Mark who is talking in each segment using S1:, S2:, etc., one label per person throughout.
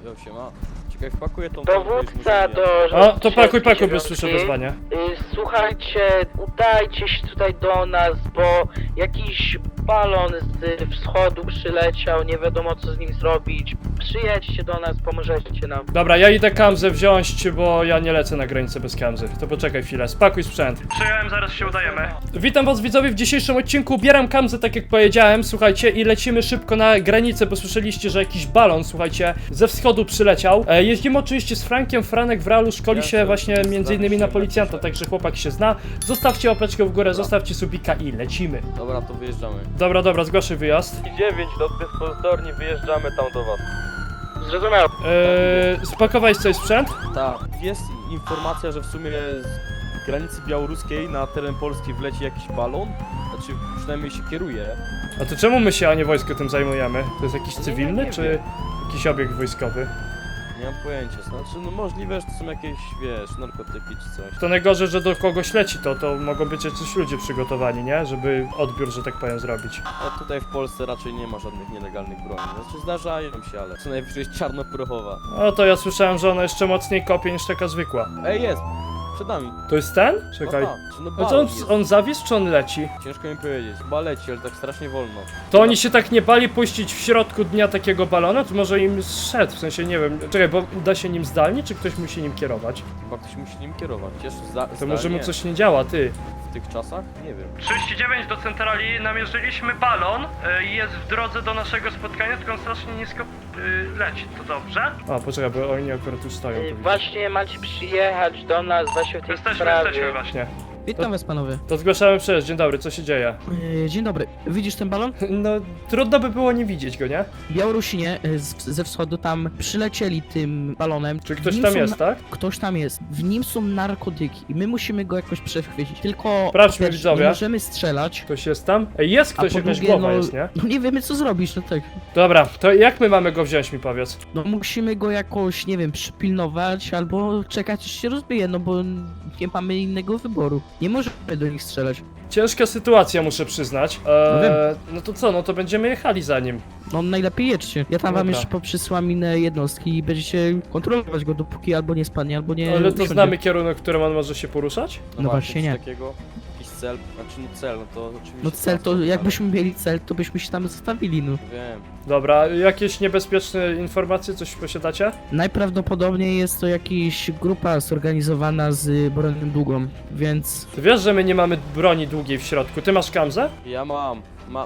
S1: Jo, siema. Czekaj, wpakuję tą
S2: Dowódca do...
S1: do...
S2: O,
S3: to pakuj, bo już słyszę wezwanie.
S2: Słuchajcie, udajcie się tutaj do nas, bo jakiś balon z wschodu przyleciał, nie wiadomo co z nim zrobić. Przyjedźcie do nas, pomożecie nam.
S3: Dobra, ja idę kamzę wziąć, bo ja nie lecę na granicę bez kamzy. To poczekaj chwilę, spakuj sprzęt. Przyjąłem, zaraz się udajemy. Witam was widzowie w dzisiejszym odcinku, ubieram kamzę tak jak powiedziałem, słuchajcie, i lecimy szybko na granicę, bo słyszeliście, że jakiś balon, słuchajcie, ze wschodu przyleciał. Jeździmy oczywiście z Frankiem, Franek w realu szkoli się właśnie między innymi na policjanta, także chłopak się zna. Zostawcie łapeczkę w górę, zostawcie subika i lecimy.
S1: Dobra, to wyjeżdżamy.
S3: Dobra, zgłaszaj wyjazd.
S4: 9 do dyspozytorni, wyjeżdżamy tam do was.
S2: Zrozumiał.
S3: Spakowałeś coś sprzęt?
S1: Tak, jest informacja, że w sumie z granicy białoruskiej na teren Polski wleci jakiś balon. Znaczy, przynajmniej się kieruje.
S3: A to czemu my się, a nie wojsko tym zajmujemy? To jest jakiś cywilny,
S1: nie
S3: czy
S1: wiem.
S3: jakiś obiekt wojskowy?
S1: Nie mam pojęcia, znaczy, no możliwe, że to są jakieś, wiesz, narkotyki czy coś.
S3: To najgorzej, że do kogoś leci to mogą być jacyś ludzie przygotowani, nie? Żeby odbiór, że tak powiem, zrobić.
S1: A tutaj w Polsce raczej nie ma żadnych nielegalnych broni. Znaczy, zdarzają się, ale co najwyżej jest czarnoprochowa.
S3: O, to ja słyszałem, że ona jeszcze mocniej kopie niż taka zwykła.
S1: Ej, jest! Przed nami.
S3: To jest ten?
S1: No
S3: Czekaj.
S1: tak, no
S3: No to
S1: balon jest.
S3: on zawisł, czy on leci?
S1: Ciężko mi powiedzieć. Chyba leci, ale tak strasznie wolno.
S3: To oni się tak nie bali puścić w środku dnia takiego balona? To może im zszedł, w sensie nie wiem. Czekaj, bo da się nim zdalnie, czy ktoś musi nim kierować?
S1: Chyba ktoś musi nim kierować. Jeszcze
S3: To może mu coś nie działa, ty.
S1: w tych czasach? Nie wiem.
S3: 39 do centrali, namierzyliśmy balon i jest w drodze do naszego spotkania, tylko on strasznie nisko leci, to dobrze? A, poczekaj, bo oni akurat już stoją. To
S2: Właśnie macie przyjechać do nas właśnie w tej sprawie.
S3: właśnie.
S5: Witam was panowie.
S3: To zgłaszamy przyjazd, dzień dobry, co się dzieje?
S5: Dzień dobry. Widzisz ten balon?
S3: No, trudno by było nie widzieć go, nie?
S5: Białorusini ze wschodu tam przylecieli tym balonem.
S3: Czy
S5: W
S3: ktoś
S5: nim
S3: tam
S5: są
S3: jest, tak?
S5: Ktoś tam jest. W nim są narkotyki i my musimy go jakoś przechwycić. Tylko
S3: Sprawdźmy,
S5: po pierwsze,
S3: widzowie.
S5: nie możemy strzelać.
S3: Ktoś jest tam? Ej, jest
S5: A
S3: ktoś,
S5: po
S3: jakaś
S5: drugie,
S3: głowa
S5: no,
S3: jest, nie?
S5: no nie wiemy co zrobić, no tak.
S3: Dobra, to jak my mamy go wziąć, mi powiedz?
S5: No musimy go jakoś, nie wiem, przypilnować albo czekać aż się rozbije, no bo nie mamy innego wyboru. Nie możemy do nich strzelać.
S3: Ciężka sytuacja, muszę przyznać.
S5: No wiem.
S3: No to co, no to będziemy jechali za nim.
S5: No najlepiej jedźcie. Ja tam wam
S3: Dobra.
S5: jeszcze poprzysyłam inne jednostki i będziecie kontrolować go dopóki albo nie spadnie, albo nie
S3: Ale to
S5: usiądzie.
S3: znamy kierunek, w którym on może się poruszać?
S5: No właśnie
S1: coś
S5: nie.
S1: takiego, jakiś cel, znaczy no cel, no to oczywiście...
S5: No cel to,
S1: tak,
S5: jakbyśmy mieli cel, to byśmy się tam zostawili, no.
S1: Wiem.
S3: Dobra, jakieś niebezpieczne informacje, coś posiadacie?
S5: Najprawdopodobniej jest to jakaś grupa zorganizowana z bronią długą, więc...
S3: Ty wiesz, że my nie mamy broni długiej w środku. Ty masz kamzę?
S1: Ja mam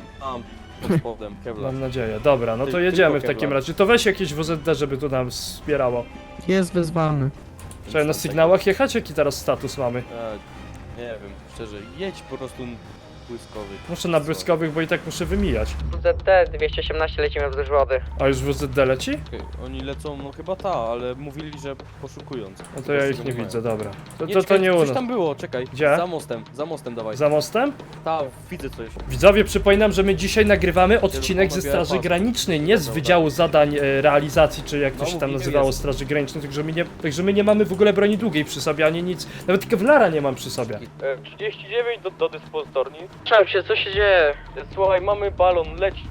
S1: pod spodem, Kevlar.
S3: Mam nadzieję. Dobra, no to
S1: Ty-
S3: jedziemy
S1: tylko
S3: w takim
S1: Kevlar.
S3: razie. To weź jakieś WZD, żeby tu nam wspierało.
S5: Jest wezwany.
S3: Trzeba na sygnałach jechać? Jaki teraz status mamy?
S1: Nie wiem, szczerze, jedź po prostu błyskowy.
S3: Muszę na błyskowych, bo i tak muszę wymijać.
S2: WZT 218 lecimy wzdłuż wody.
S3: A już WZD leci?
S1: Okej, oni lecą, no chyba ta, ale mówili, że poszukując.
S3: No to ja ich nie widzę, dobra. To
S1: czekaj,
S3: nie u
S1: coś
S3: nas.
S1: tam było, czekaj.
S3: Gdzie?
S1: Za mostem dawaj.
S3: Za mostem?
S1: Ta, widzę coś.
S3: Widzowie, przypominam, że my dzisiaj nagrywamy odcinek ze Straży Granicznej, nie z Wydziału Zadań Realizacji, czy jak to
S1: No,
S3: się tam
S1: mówiłem,
S3: nazywało,
S1: jest.
S3: Straży Granicznej, także my nie mamy w ogóle broni długiej przy sobie, ani nic. Nawet kewlara nie mam przy sobie.
S4: 39 do dyspozytorni.
S2: Trzymam się, co się dzieje?
S4: Słuchaj, mamy balon, leci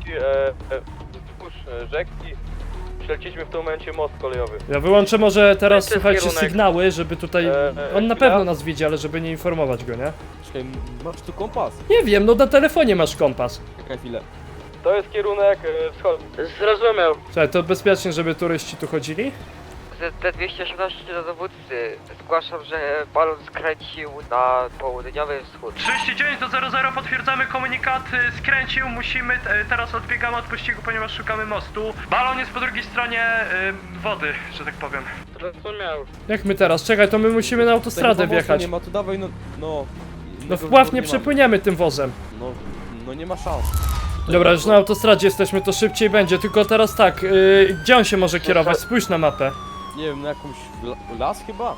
S4: wzdłuż rzeki. Przeleciliśmy w tym momencie most kolejowy.
S3: Ja wyłączę może teraz,
S2: To jest
S3: słuchajcie,
S2: kierunek.
S3: sygnały, żeby tutaj... On na
S4: chwila.
S3: pewno nas widzi, ale żeby nie informować go, nie?
S1: Czekaj, masz tu kompas?
S3: Nie wiem, no na telefonie masz kompas.
S1: Czekaj chwilę.
S4: To jest kierunek wschodni.
S2: Zrozumiał.
S3: Słuchaj, to bezpiecznie, żeby turyści tu chodzili?
S6: ZT-218 do dowódcy. Zgłaszam, że balon skręcił na południowy wschód.
S3: 39 do 00, potwierdzamy komunikat, skręcił, musimy, teraz odbiegamy od pościgu, ponieważ szukamy mostu. Balon jest po drugiej stronie wody, że tak powiem.
S2: Zrozumiał.
S3: Jak my teraz? Czekaj, to my musimy na autostradę
S1: Tego mostu
S3: wjechać.
S1: nie ma, to dawaj, no...
S3: No
S1: innego
S3: w Pław
S1: wyboru
S3: nie
S1: mamy.
S3: przepłyniemy tym wozem.
S1: No nie ma szans.
S3: Dobra, już na autostradzie jesteśmy, to szybciej będzie, tylko teraz tak, gdzie on się może kierować? Spójrz na mapę.
S1: Nie wiem, na jakąś las chyba?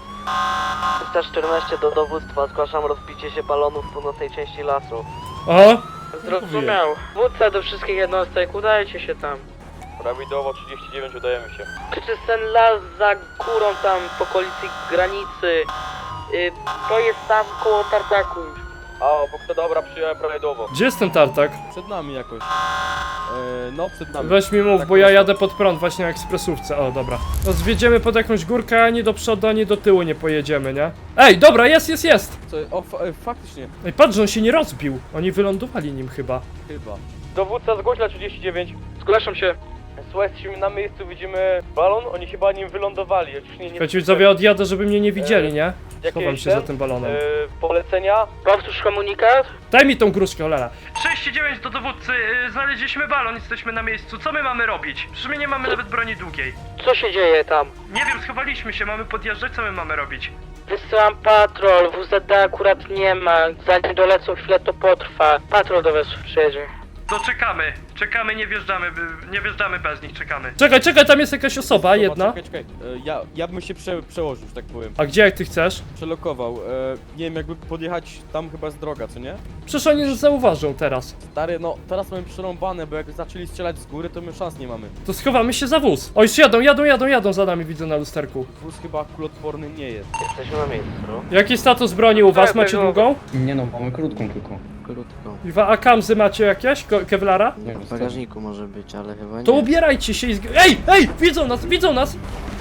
S6: 314 do dowództwa. Zgłaszam rozbicie się balonu w północnej części lasu.
S3: O!
S2: Zrozumiał. Wódca do wszystkich jednostek, udajcie się tam.
S4: Prawidłowo 39 udajemy się.
S2: Czy to jest ten las za górą tam w okolicy granicy? To jest tam koło tartaku już.
S4: A, bo kto dobra, przyjąłem prawidłowo.
S3: Gdzie jest ten tartak?
S1: Przed nami jakoś. No, przed nami.
S3: Weź mi mów,
S1: Tak
S3: bo ja
S1: prosto.
S3: jadę pod prąd właśnie na ekspresówce. O, dobra. No zwiedziemy pod jakąś górkę, ani do przodu, ani do tyłu nie pojedziemy, nie? Ej, dobra, jest!
S1: Co, faktycznie.
S3: Ej, patrz, że on się nie rozbił. Oni wylądowali nim chyba.
S1: Chyba.
S4: Dowódca zgłoś na 39.
S2: Zgłaszam się.
S4: Słuchaj, jesteśmy na miejscu, widzimy balon, oni chyba nim wylądowali. Już nie
S3: Słuchajcie, widzowie, odjadę, żeby mnie nie widzieli, nie?
S4: Jakieś
S3: Schowam się
S4: ten,
S3: za tym balonem.
S4: polecenia?
S2: Powtórz komunikat.
S3: Daj mi tą gruszkę, cholera. 39 do dowódcy, znaleźliśmy balon, jesteśmy na miejscu. Co my mamy robić? Przecież my nie mamy nawet broni długiej.
S2: Co się dzieje tam?
S3: Nie wiem, schowaliśmy się, mamy podjeżdżać, co my mamy robić?
S2: Wysyłam patrol, WZD akurat nie ma. Zanim dolecą chwilę to potrwa. Patrol do was przyjedzie.
S3: To czekamy, nie wjeżdżamy bez nich, czekamy. Czekaj, tam jest jakaś osoba, jedna.
S1: Czekaj. Ja bym się przełożył, że tak powiem.
S3: A gdzie jak ty chcesz?
S1: Przelokował. Nie wiem, jakby podjechać tam chyba z droga, co nie?
S3: Przecież oni nas zauważą teraz.
S1: Stary, no teraz mamy przerąbane, bo jak zaczęli strzelać z góry, to my szans nie mamy.
S3: To schowamy się za wóz. O, już jadą za nami, widzę na lusterku.
S1: Wóz chyba kulotworny nie jest.
S2: Jesteśmy na miejscu.
S3: Jaki status broni u was? Macie długą?
S7: Nie no, mamy krótką tylko.
S8: Krótko.
S3: A kamzy macie jakieś? Kevlara?
S7: Nie wiem,
S8: W bagażniku może być, ale chyba nie.
S3: To ubierajcie się i Ej! Widzą nas!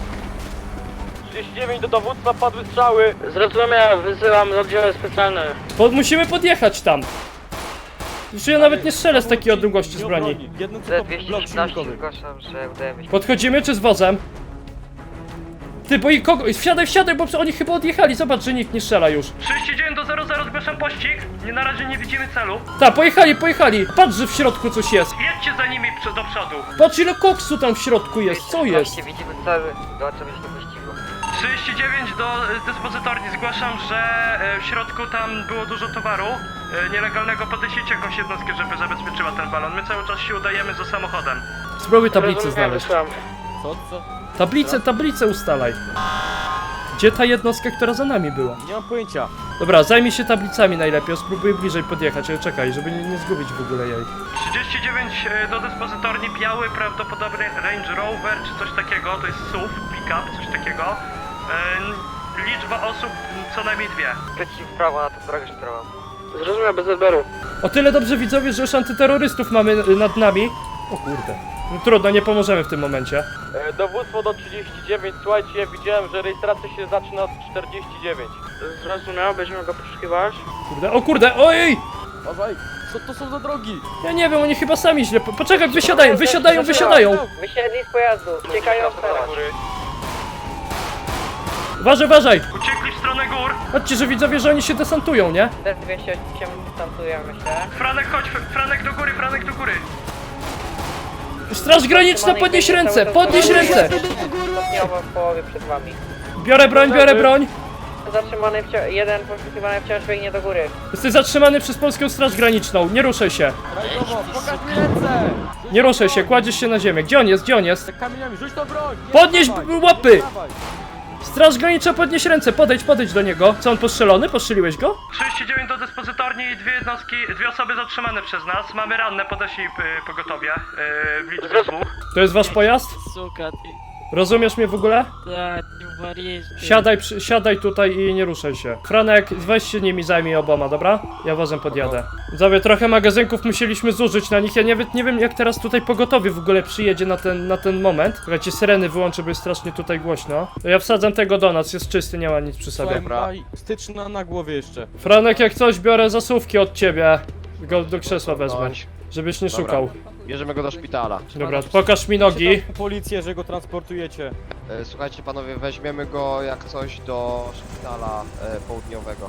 S4: 39 do dowództwa, padły strzały.
S2: Zrozumiał, wysyłam oddziały specjalne.
S3: Musimy podjechać tam. Już ja nawet nie strzelę z takiej odległości z broni.
S1: Jedno tylko blok
S6: Z213
S1: silnikowy.
S6: zgłaszam, że udajemy się.
S3: Podchodzimy czy z wozem? Ty, bo i kogo? Wsiadaj, bo oni chyba odjechali, zobacz, że nikt nie strzela już. 39 do 00, zgłaszam pościg. Na razie nie widzimy celu. Tak, pojechali. Patrz, że w środku coś jest. Jedźcie za nimi do przodu. Patrz, ile koksu tam w środku jest, co jest?
S6: Widzimy cel, dołączamy się do pościgu.
S3: 39 do dyspozytorni, zgłaszam, że w środku tam było dużo towaru nielegalnego. Podejście jakąś jednostkę, żeby zabezpieczyła ten balon. My cały czas się udajemy za samochodem. Spróbuj tablicę znaleźć.
S2: Wysyłam.
S1: Co?
S3: Tablicę ustalaj. Gdzie ta jednostka, która za nami była?
S1: Nie mam pojęcia.
S3: Dobra, zajmij się tablicami najlepiej, spróbuj bliżej podjechać, ale czekaj, żeby nie zgubić w ogóle jej. 39 do dyspozytorni, biały, prawdopodobnie Range Rover czy coś takiego, to jest SUV, pick-up, coś takiego. Liczba osób co najmniej 2.
S6: Przeciw prawo na tę drogę szturową.
S2: Zrozumiał, bez odbioru.
S3: O tyle dobrze widzowie, że już antyterrorystów mamy nad nami. O kurde. No, trudno, nie pomożemy w tym momencie.
S4: Dowództwo do 39, słuchajcie, ja widziałem, że rejestracja się zaczyna od 49.
S2: Zrozumiał, będziemy go poszukiwać.
S3: O kurde, ojej!
S1: Uważaj, co to są za drogi?
S3: Ja nie wiem, oni chyba sami źle... Poczekaj, wysiadają!
S6: Wysiedli z pojazdu, uciekają
S4: Na góry.
S3: Uważaj! Uciekli w stronę gór! Chodźcie, że widzowie, że oni się desantują, nie?
S6: D208 dystansujemy się.
S3: Franek, chodź! Franek do góry! Straż graniczna, podnieś ręce!
S6: Stopniowo w połowie przed wami.
S3: Biorę broń!
S6: Zatrzymany jeden poszukiwany wciąż biegnie do góry.
S3: Jesteś zatrzymany przez polską straż graniczną, nie ruszaj się!
S1: Rajdowo, pokaż mi ręce!
S3: Nie ruszaj się, kładziesz się na ziemię. Gdzie on jest?
S1: Za kamieniami, rzuć to broń! Nie
S3: Podnieś
S1: dawaj,
S3: łapy!
S1: nie dawaj.
S3: Straż graniczna, podnieś ręce, podejdź do niego. Co, on postrzelony? Postrzeliłeś go? 39 do dyspozytorni i dwie osoby zatrzymane przez nas. Mamy ranne, podeszli pogotowie w liczbie 2. To jest wasz pojazd?
S8: Suka, ty.
S3: Rozumiesz mnie w ogóle?
S8: Tak, ty wariesz.
S3: Siadaj tutaj i nie ruszaj się. Franek, weź się nimi zajmij oboma, dobra? Ja wozem podjadę. Widzowie, trochę magazynków musieliśmy zużyć na nich. Ja nie wiem jak teraz tutaj pogotowie w ogóle przyjedzie na ten moment. Słuchajcie, syreny wyłączę, bo jest strasznie tutaj głośno. To ja wsadzam tego do nas, jest czysty, nie ma nic przy sobie.
S1: Słuchaj, maj styczna na głowie jeszcze.
S3: Franek, jak coś, biorę zasuwki od ciebie. Go do krzesła wezmę, żebyś nie szukał.
S9: Bierzemy go do szpitala.
S3: Dobra, pokaż mi nogi.
S1: Czytam policję, że go transportujecie.
S9: Słuchajcie panowie, weźmiemy go jak coś do szpitala południowego.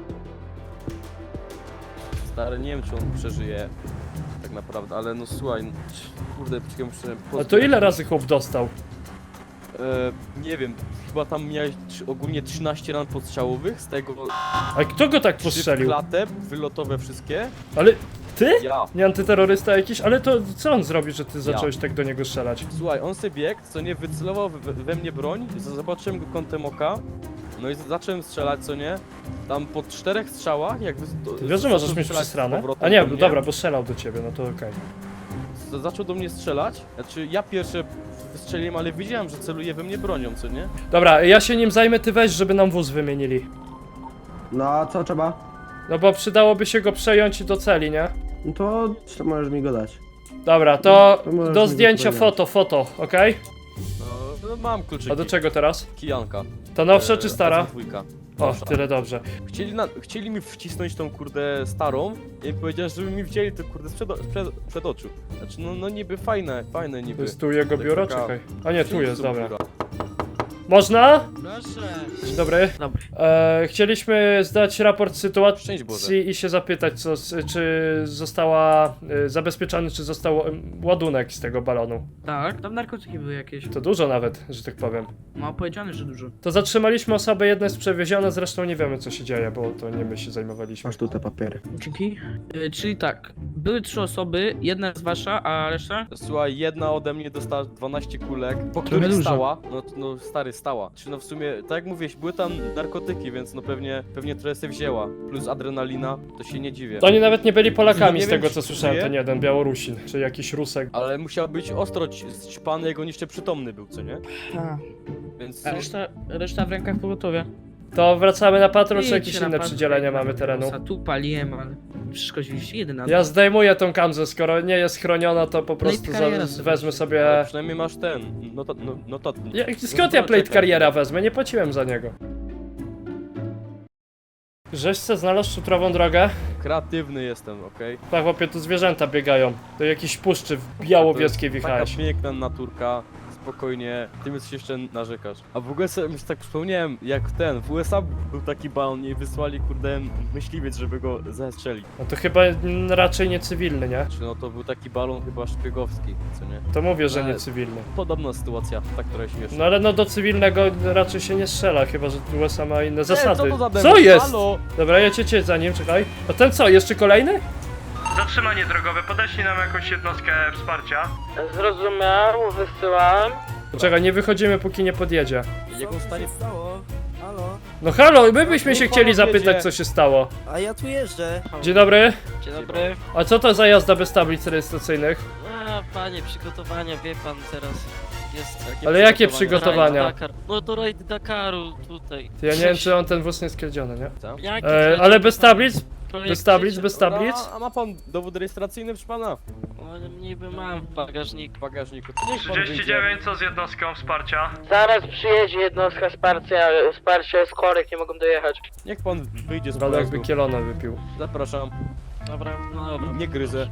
S1: Stary, nie wiem czy on przeżyje. Tak naprawdę, ale no słuchaj, no, kurde, poczekaj, muszę...
S3: A to ile razy chłop dostał?
S1: Nie wiem, chyba tam miałeś ogólnie 13 ran podstrzałowych, z tego
S3: A kto go tak
S1: 3
S3: postrzelił?
S1: klatę, wylotowe wszystkie.
S3: Ale ty?
S1: Ja.
S3: Nie antyterrorysta jakiś? Ale to co on zrobił, że ty zacząłeś tak do niego strzelać?
S1: Słuchaj, on sobie biegł, co nie, wycelował we mnie broń, zobaczyłem go kątem oka, no i zacząłem strzelać, co nie, tam po 4 strzałach, jak
S3: Ty wiesz, że możesz mieć przesrane? A nie, dobra, bo strzelał do ciebie, no to okej.
S1: Zaczął do mnie strzelać, znaczy ja pierwsze wystrzeliłem, ale widziałem, że celuje we mnie bronią, co nie?
S3: Dobra, ja się nim zajmę, ty weź, żeby nam wóz wymienili.
S10: No a co trzeba?
S3: No bo przydałoby się go przejąć do celi, nie?
S7: No to możesz mi go dać.
S3: Dobra, to
S7: To możesz
S3: do
S7: mi
S3: zdjęcia
S7: go
S3: foto, okej?
S1: No, mam kluczyki.
S3: A do czego teraz?
S1: Kijanka.
S3: Ta nowsza czy stara?
S1: Dwójka.
S3: O,
S1: Nowsza.
S3: tyle dobrze.
S1: Chcieli mi wcisnąć tą kurde starą i powiedziałem, żeby mi wzięli to kurde przed oczu. Znaczy no niby fajne
S3: To
S1: niby.
S3: jest tu jego
S1: Tak
S3: biuro?
S1: taka-
S3: Czekaj. A nie, tu jest,
S1: Są
S3: dobra.
S1: biura.
S3: Można?
S5: Proszę.
S3: Dzień dobry.
S5: Dobry.
S3: Chcieliśmy zdać raport
S1: Szczęść
S3: sytuacji
S1: Boże.
S3: i się zapytać, czy została zabezpieczony, czy został ładunek z tego balonu.
S5: Tak, tam narkotyki były jakieś.
S3: To dużo nawet, że tak powiem.
S5: Ma powiedziane, że dużo.
S3: To zatrzymaliśmy osobę, jedna jest przewieziona, zresztą nie wiemy co się dzieje, bo to nie my się zajmowaliśmy.
S7: Masz tu te papiery.
S5: Dzięki. Czyli tak, były 3 osoby, jedna jest wasza, a reszta?
S1: Słuchaj, jedna ode mnie dostała 12 kulek, po
S5: Trochę
S1: których
S5: dużo.
S1: stała. No stary, stała. Czy no w sumie, tak jak mówiłeś, były tam narkotyki, więc no pewnie trochę sobie wzięła. Plus adrenalina, to się nie dziwię.
S3: To oni nawet nie byli Polakami
S1: Nie
S3: z
S1: wiem,
S3: tego
S1: czy
S3: co słyszałem,
S1: żyje?
S3: ten jeden Białorusin, czy jakiś Rusek.
S1: Ale musiał być ostro ćpany, jak on jeszcze przytomny był, co nie?
S5: A,
S1: Więc...
S5: reszta w rękach pogotowia.
S3: To wracamy na patrol, czy
S5: Idźcie
S3: jakieś
S5: na
S3: inne
S5: patrol.
S3: przydzielenia mamy terenu?
S5: Tu paliłem, ale przeszkodziliście jedyna.
S3: Ja zdejmuję tą kamzę, skoro nie jest chroniona, to po prostu
S5: kariera sobie
S3: wezmę
S1: Ale
S3: sobie...
S1: przynajmniej masz ten, no to...
S3: Skąd ja plate kariera wezmę? Nie płaciłem za niego. Żeś se znalazł szutrową drogę?
S1: Kreatywny jestem, okej?
S3: Tak, chłopie, tu zwierzęta biegają. Do jakiejś puszczy w białowieskiej wjechałeś.
S1: Taka piękna naturka, spokojnie, ty mi coś jeszcze narzekasz. A w ogóle sobie tak przypomniałem, jak w USA był taki balon i wysłali kurde myśliwiec, żeby go zestrzelić.
S3: No to chyba raczej nie cywilny, nie?
S1: Czy no to był taki balon chyba szpiegowski, co nie?
S3: To mówię, że nie
S1: Ale-
S3: cywilny.
S1: Podobna sytuacja, ta, która śmieszna.
S3: No ale no do cywilnego raczej się nie strzela, chyba że USA ma inne zasady.
S1: Co to za
S3: Co
S1: demon?
S3: jest?
S1: Halo?
S3: Dobra, ja cię za nim, czekaj. A ten co, jeszcze kolejny? Zatrzymanie drogowe, podeślij nam jakąś jednostkę wsparcia.
S2: Zrozumiał, wysyłam.
S3: Czekaj, nie wychodzimy póki nie podjedzie.
S1: Jak on stanie...
S10: stało? Halo?
S3: No halo, my byśmy się
S1: Niech
S3: chcieli
S1: pan
S3: zapytać
S1: odjedzie.
S3: co się stało.
S10: A ja tu jeżdżę.
S3: Dzień dobry.
S8: Dzień dobry.
S3: A co to za jazda bez tablic rejestracyjnych?
S8: A panie, przygotowania, wie pan teraz jest...
S3: Ale jakie przygotowania?
S8: Rajd Dakar. No to rajd Dakaru tutaj.
S3: To ja nie wiem czy on ten wóz nie skradziony, nie?
S8: Jaki
S3: Ale bez tablic?
S8: projekt
S3: Bez tablic,
S8: krzyczy?
S3: bez tablic?
S1: A ma pan dowód rejestracyjny, proszę pana?
S8: O, niby mam w bagażniku.
S1: W bagażniku. To niech pan wyjdzie.
S3: co z jednostką wsparcia?
S2: Zaraz przyjedzie jednostka wsparcia jest chorek, nie mogą dojechać.
S1: Niech pan wyjdzie z
S3: Ale jakby
S1: pojazdu.
S3: kielona wypił.
S1: Zapraszam.
S8: Dobra, no dobra.
S1: Nie gryzę.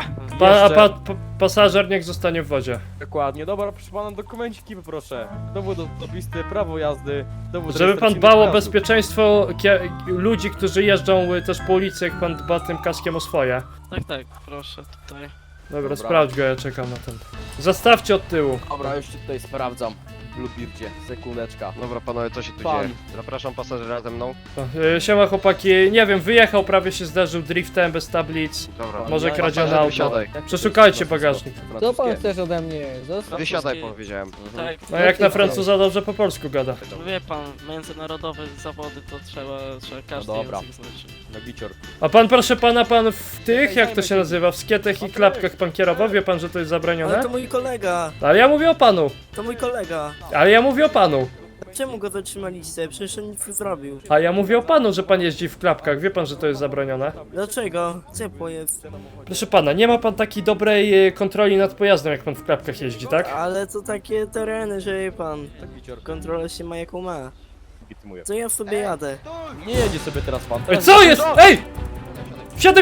S3: A pasażer niech zostanie w wodzie.
S1: Dokładnie, dobra, proszę pana, dokumenciki poproszę. Dowód osobisty, prawo jazdy, dowód
S3: Żeby pan
S1: rejestracyjny
S3: dbał o
S1: pojazdu.
S3: bezpieczeństwo ludzi, którzy jeżdżą też po ulicy, jak pan dba tym kaskiem o swoje.
S8: Tak, proszę tutaj.
S3: Dobra,
S1: Dobra.
S3: sprawdź go, ja czekam na ten. Zastawcie od tyłu.
S1: Dobra, już ci tutaj sprawdzam. Lubircie, sekundeczka.
S9: Dobra panowie, co się tu
S1: Pan.
S9: dzieje? Zapraszam pasażera ze mną.
S3: Siema chłopaki, nie wiem, wyjechał, prawie się zderzył driftem bez tablic.
S9: Dobra.
S3: Może
S1: Ja-
S3: kradzione
S9: pasażer,
S3: auto.
S9: wysiadaj.
S3: Przeszukajcie bagażnik.
S10: Co pan chcesz ode mnie? Zostaw.
S9: Wysiadaj powiedziałem.
S8: Tak,
S3: No jak na Francuza dobrze po polsku gada.
S8: wie pan, międzynarodowe zawody to trzeba każdy
S1: dobra.
S8: język znać.
S1: No gicior.
S3: A pan proszę pana, pan w tych, jak to się nazywa, w skietach i klapkach pan kierował? Wie pan, że to jest
S10: Ale
S3: zabronione?
S10: to mój kolega.
S3: Ale ja mówię o panu.
S10: To mój kolega.
S3: Ale ja mówię o panu.
S10: Czemu go zatrzymaliście? Przecież on nic nie zrobił.
S3: A ja mówię o panu, że pan jeździ w klapkach. Wie pan, że to jest zabronione?
S10: Dlaczego? Ciepło jest.
S3: Proszę pana, nie ma pan takiej dobrej kontroli nad pojazdem, jak pan w klapkach jeździ, tak?
S10: Ale to takie tereny, że wie pan.
S1: Tak gicior.
S10: Kontrola się ma jaką ma.
S1: Legitymuję.
S10: To ja sobie jadę.
S1: Nie jedzie sobie teraz pan.
S3: Ej,
S1: Teraz
S3: co
S1: jedzie-
S3: jest? Ej! Wsiadaj!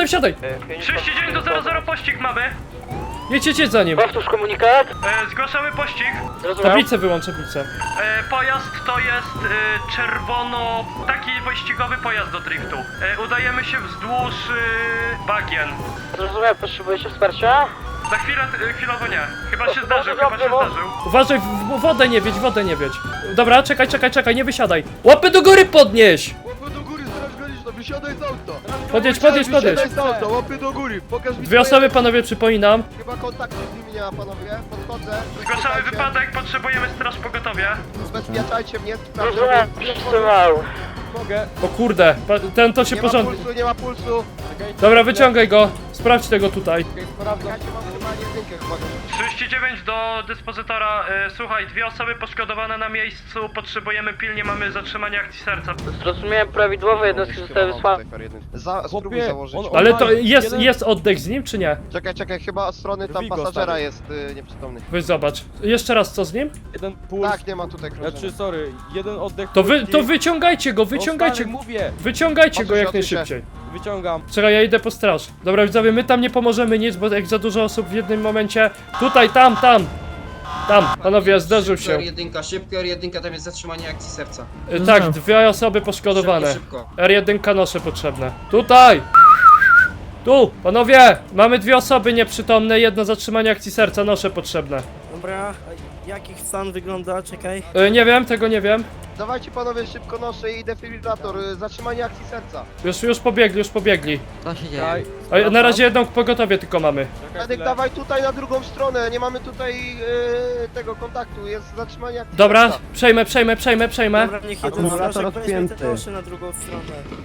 S11: 39 do 00 pościg mamy.
S3: Jedź za nim.
S2: Powtórz komunikat.
S11: Zgłaszamy pościg.
S2: Zrozumiał?
S3: Tablicę wyłącz, tablicę.
S11: Pojazd to jest czerwono... taki wyścigowy pojazd do driftu. Udajemy się wzdłuż bagien.
S2: Zrozumiał, potrzebujecie wsparcia?
S11: Za chwilę, chwilowo nie. Chyba się
S2: Dobrze,
S11: zdarzył, chyba się
S2: dobrze,
S11: zdarzył.
S3: Uważaj, w wodę nie wiedź. Dobra, czekaj, nie wysiadaj. Łapy do góry podnieś!
S9: Łapy do góry, straż graniczna, wysiadaj z auta!
S3: Podjedź.
S9: Wysiadaj z auta, łapy do góry, pokaż mi
S3: Dwie osoby, panowie, przypominam.
S9: Chyba kontaktu z nimi nie ma panowie, podchodzę.
S11: Zgłaszamy
S9: Zabezpieczajcie.
S11: wypadek, potrzebujemy straż pogotowie.
S9: Zabezpieczajcie mnie,
S2: Zrozumiał, przytrzymał.
S1: Mogę.
S3: O kurde, ten to się
S9: Nie ma
S3: porządnie.
S9: pulsu, nie ma pulsu.
S3: Dobra, wyciągaj go. Sprawdź tego tutaj.
S9: Sprawdzam. Ja cię mam chyba jedynkę chyba.
S11: 39 do dyspozytora. Słuchaj, 2 osoby poszkodowane na miejscu. Potrzebujemy pilnie, mamy zatrzymanie akcji serca.
S2: Zrozumiałem prawidłowo, jednostki zostały wysłane.
S9: Spróbuj
S1: Chłopie,
S9: założyć.
S1: on-
S3: Ale to
S1: Jeden-
S3: jest oddech z nim, czy nie?
S9: Czekaj, chyba od strony tam
S1: Vigo,
S9: pasażera
S1: stary.
S9: jest nieprzytomny.
S3: Weź zobacz. Jeszcze raz, co z nim?
S1: Jeden puls.
S9: Tak, nie ma tutaj krążenia.
S1: Znaczy, sorry, jeden oddech.
S3: To
S1: krótki.
S3: wyciągajcie go,
S1: No,
S3: wyciągajcie
S1: stary,
S3: go.
S1: mówię,
S3: Wyciągajcie go
S9: Odsuń się,
S3: jak
S9: odsuń się.
S3: najszybciej.
S1: wyciągam.
S3: Czekaj, ja idę po straż. Dobra, widzowie, my tam nie pomożemy nic, bo jak za dużo osób w jednym momencie... Tutaj, tam! Panowie, zderzył się.
S10: R1, szybko R1, tam jest zatrzymanie akcji serca.
S3: Tak, 2 osoby poszkodowane.
S10: Szybko.
S3: R1 nosze potrzebne. Tutaj! Tu! Panowie! Mamy 2 osoby nieprzytomne, jedno zatrzymanie akcji serca, nosze potrzebne.
S10: Dobra, a jakich stan wygląda? Czekaj.
S3: Nie wiem, tego nie wiem.
S9: Dawajcie panowie szybko noszę i defibrylator, zatrzymanie akcji serca.
S3: Już pobiegli.
S6: Co się dzieje?
S1: Czekaj,
S3: A, na
S1: sprawdzam.
S3: razie jedną pogotowie tylko mamy.
S1: Czekaj
S9: Medyk,
S1: chwilę.
S9: dawaj tutaj na drugą stronę, nie mamy tutaj tego kontaktu, jest zatrzymanie akcji
S3: Dobra,
S9: serca.
S3: przejmę.
S10: Dobra, niech jeden
S7: Akumulator
S10: strażak weźmie
S7: odpięty.
S10: te nosze na drugą stronę.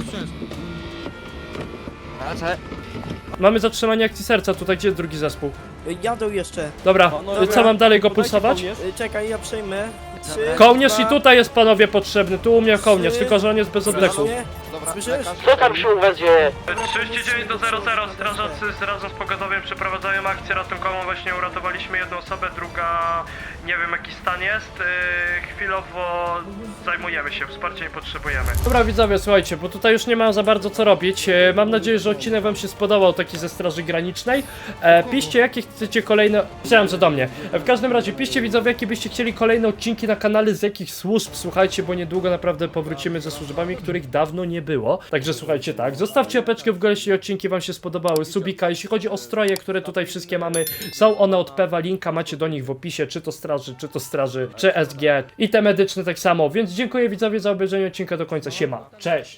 S3: Mamy zatrzymanie akcji serca tutaj, gdzie jest drugi zespół?
S10: Jadą jeszcze.
S3: Dobra,
S1: Panowie,
S3: co mam dalej go
S1: podajcie
S3: pulsować?
S1: kołnierz.
S10: Czekaj, ja przejmę. 3,
S3: Kołnierz i tutaj jest panowie potrzebny, tu u mnie kołnierz, tylko że on jest bez oddechu.
S9: Dobra,
S10: Słyszysz?
S9: lekarz.
S2: Co tam się u was dzieje?
S11: 39 do 00, strażacy razem z pogotowiem przeprowadzają akcję ratunkową, właśnie uratowaliśmy jedną osobę, druga nie wiem jaki stan jest, chwilowo zajmujemy się, wsparcia nie potrzebujemy.
S3: Dobra widzowie, słuchajcie, bo tutaj już nie mam za bardzo co robić. Mam nadzieję, że odcinek wam się spodobał, taki ze Straży Granicznej. Piszcie, jakie chcecie kolejne... Myślałem, że do mnie. W każdym razie, piszcie widzowie, jakie byście chcieli kolejne odcinki na kanale, z jakich służb, słuchajcie, bo niedługo naprawdę powrócimy ze służbami, których dawno nie było. Także słuchajcie, tak, zostawcie łapeczkę w górę, jeśli odcinki wam się spodobały, subika. Jeśli chodzi o stroje, które tutaj wszystkie mamy, są one od Pewa, linka macie do nich w opisie, czy to straży, czy SG i te medyczne tak samo. Więc dziękuję widzowie za obejrzenie odcinka do końca, siema, cześć!